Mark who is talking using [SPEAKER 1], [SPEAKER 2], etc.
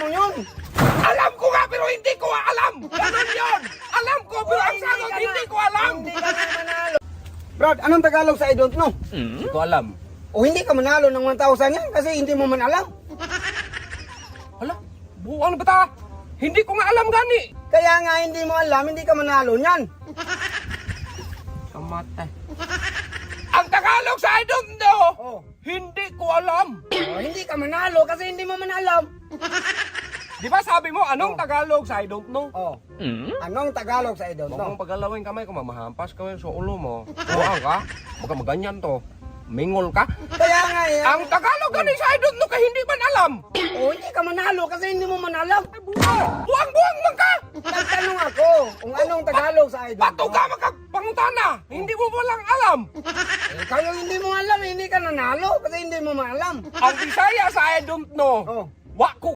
[SPEAKER 1] lang yun.
[SPEAKER 2] Alam ko nga pero hindi ko alam. Ganun yun. Alam ko pero ang sagot hindi ko alam.
[SPEAKER 1] Hindi ka na manalo. Brad, anong Tagalog sa I don't know?
[SPEAKER 2] Hindi ko alam.
[SPEAKER 1] O hindi ka manalo ng 1,000 yan kasi hindi mo man alam.
[SPEAKER 2] Hala, buwan ba ta? Hindi ko nga alam gani.
[SPEAKER 1] Kaya nga hindi mo alam, hindi ka manalo niyan.
[SPEAKER 2] Sa mata. Ang Tagalog sa I don't know.
[SPEAKER 1] Oh.
[SPEAKER 2] Hindi ko alam.
[SPEAKER 1] O, hindi ka manalo kasi hindi mo man alam.
[SPEAKER 2] Di ba sabi mo anong Tagalog sa I don't know?
[SPEAKER 1] Oh. Anong Tagalog sa I don't
[SPEAKER 2] Huwag
[SPEAKER 1] know?
[SPEAKER 2] mong pagalawin kamay ko, mamahampas ka sa ulo mo. Buwang ka, baka maganyan to. Mingol ka.
[SPEAKER 1] Kaya nga eh.
[SPEAKER 2] Ang Tagalog gani sa I don't know kay hindi man alam.
[SPEAKER 1] O, hindi ka manalo kasi hindi mo man alam.
[SPEAKER 2] Buwang man ka.
[SPEAKER 1] Nagtanong ako kung anong Tagalog sa I don't
[SPEAKER 2] Bato
[SPEAKER 1] know.
[SPEAKER 2] ka magpangutana. Hindi mo walang alam.
[SPEAKER 1] Ikaw yung hindi mo alam, hindi ka nanalo kasi hindi mo man alam.
[SPEAKER 2] Ang Bisaya sa I don't know.
[SPEAKER 1] Oh.
[SPEAKER 2] Wa ko